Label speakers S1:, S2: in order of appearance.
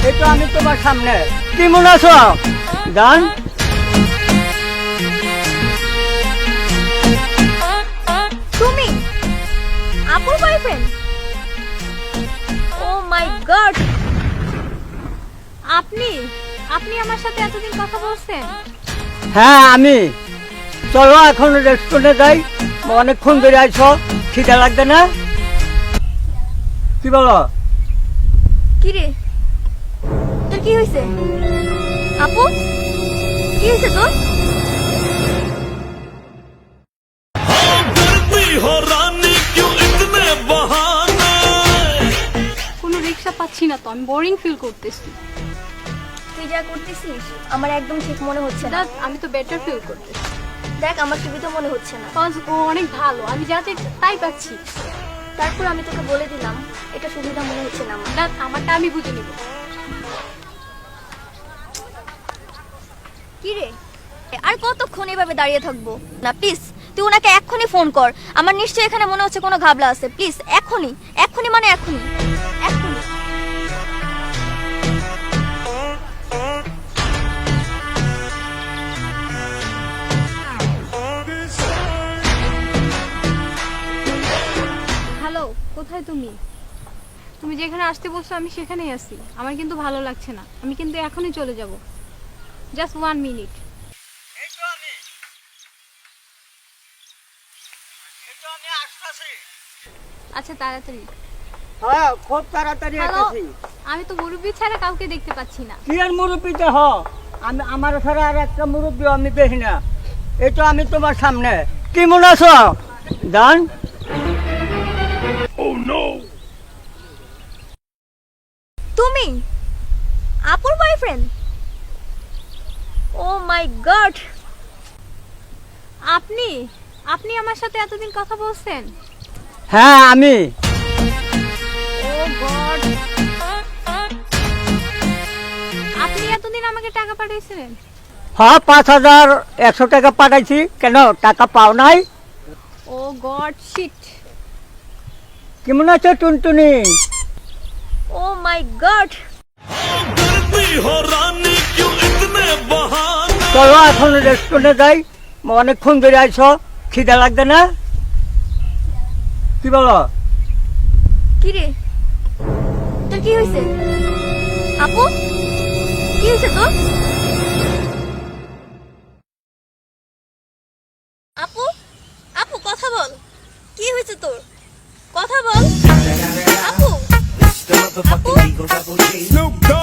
S1: এই তো আমি তোমার সামনে। কেমন আছো জান?
S2: তুমি আপুর বয়ফ্রেন্ড? O my god! আপনি আপনি আমার সাথে এতদিন কথা বলছেন?
S1: হ্যাঁ আমি। চলো এখন রেস্টুরেন্টে যাই, অনেকক্ষণ ধরে আইছো, খিদে লাগবে না? কি বলো?
S2: কি রে, তোর কি হয়েছে? আপু, কি হয়েছে তোর?
S3: কোনো রিক্সা পাচ্ছি না তো, আমি বোরিং ফিল করতেছি।
S2: তুই যা করতেছিস আমার একদম ঠিক মনে হচ্ছে না।
S3: আমি তো বেটার ফিল করতেছি।
S2: দেখ, আমার সুবিধা মনে হচ্ছে না।
S3: কজ ও অনেক ভালো, আমি যা চাই তাই পাচ্ছি।
S2: তারপর আমি তোকে বলে দিলাম এটা সুবিধা মনে হচ্ছে না আমার।
S3: আমারটা আমি বুঝে নিব।
S2: কি রে, আর কতক্ষণ এভাবে দাঁড়িয়ে থাকবো? না প্লিজ, তুই ওনাকে এক্ষুনি ফোন কর। আমার নিশ্চয়ই এখানে মনে হচ্ছে কোনো ঘাবলা আছে। প্লিজ এক্ষুনি, এক্ষুনি মানে এক্ষুনি, এক্ষুনি।
S3: হ্যালো, কোথায় তুমি? তুমি যেখানে আসতে বলছো আমি সেখানেই আছি। আমার কিন্তু ভালো লাগছে না, আমি কিন্তু এখনই চলে যাব। Just 1 minute. আচ্ছা তাড়াতাড়ি।
S1: হ্যাঁ খুব তাড়াতাড়ি
S3: হ্যালো,
S1: আসছি।
S3: আমি তো মুরব্বি ছাড়া কাউকে দেখতে পাচ্ছি না।
S1: কি আর মুরব্বীতে হ, আমি আমার ছাড়া আর একটা মুরব্বী আমি দেখি না। এই তো আমি তোমার সামনে। কেমন আছো জান?
S2: তুমি আপুর বয়ফ্রেন্ড? O my god!
S3: আপনি আপনি আমার সাথে এতদিন কথা বলছেন?
S1: হ্যাঁ আমি।
S3: Oh God! আপনি এতদিন আমাকে টাকা পাঠিয়েছিলেন?
S1: হ্যাঁ 5100 টাকা পাঠাইছি। কেন, টাকা পাও নাই?
S3: Oh God shit!
S1: কেমন আছো টুনটুনি?
S2: Oh my God!
S1: চলো এখন রেস্টুরেন্টে যাই, অনেকক্ষণ ধরে আইছো, খিদে লাগবে না? কি বলো?
S2: কি রে, তোর কি হয়েছে? আপু, কি হয়েছে তোর? আপু, আপু কথা বল। কি হয়েছে তোর? কথা বল। আপু, আপু।